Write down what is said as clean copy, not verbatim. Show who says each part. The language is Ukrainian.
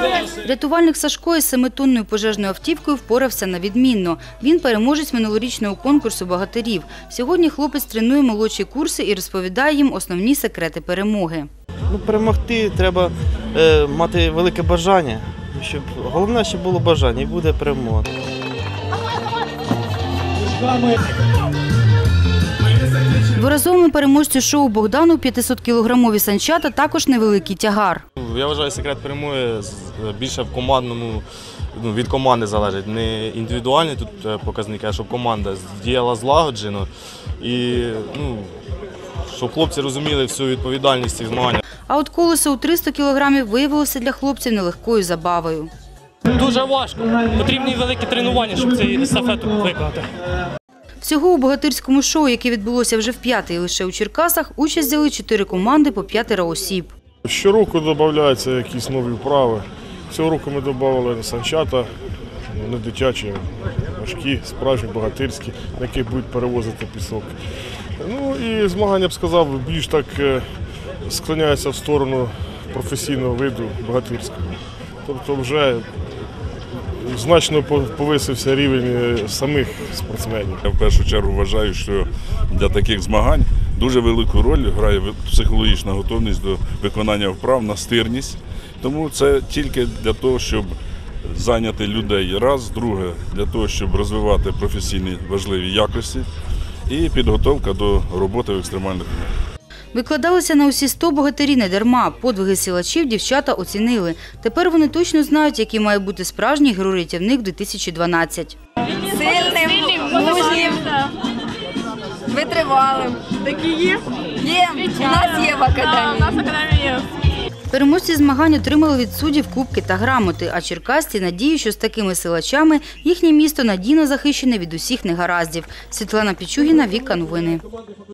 Speaker 1: Рятувальник Сашко із 7-тонною пожежною автівкою впорався на відмінно. Він переможець минулорічного конкурсу богатирів. Сьогодні хлопець тренує молодші курси і розповідає їм основні секрети перемоги.
Speaker 2: Перемогти треба мати велике бажання. Головне, щоб було бажання, і буде перемога.
Speaker 1: Дворазовому переможцю шоу Богдану 500-кілограмові санчата також невеликий тягар.
Speaker 3: Я вважаю, секрет перемоги більше в командному, від команди залежить. Не індивідуальні тут показники, а щоб команда діяла злагоджено і щоб хлопці розуміли всю відповідальність цих змагань.
Speaker 1: А от колесо у 300 кілограмів виявилося для хлопців нелегкою забавою.
Speaker 4: Дуже важко. Потрібні великі тренування, щоб цю естафету виконати.
Speaker 1: Всього у богатирському шоу, яке відбулося вже вп'ятий лише у Черкасах, участь взяли 4 команди по 5 осіб.
Speaker 5: Щороку додаються якісь нові вправи. Цього року ми додали санчата, не дитячі, важкі, справжні, богатирські, на яких будуть перевозити пісок. І змагання, б сказав, більш так склоняються в сторону професійного виду богатирського. Тобто вже значно повисився рівень самих спортсменів.
Speaker 6: Я в першу чергу вважаю, що для таких змагань дуже велику роль грає психологічна готовність до виконання вправ, настирність. Тому це тільки для того, щоб зайняти людей раз, друге, для того, щоб розвивати професійні важливі якості і підготовка до роботи в екстремальних умовах.
Speaker 1: Викладалися на усі 100 богатирі не дарма. Подвиги силачів дівчата оцінили. Тепер вони точно знають, який має бути справжній герой-рятівник 2012.
Speaker 7: Сильним, мужнім, витривалим. Такі є? Є. У нас є в академії.
Speaker 8: У нас в академії є.
Speaker 1: Переможці змагань отримали від суддів кубки та грамоти, а черкасці надію, що з такими силачами їхнє місто надійно захищене від усіх негараздів. Світлана Пічугіна, Віка Новини.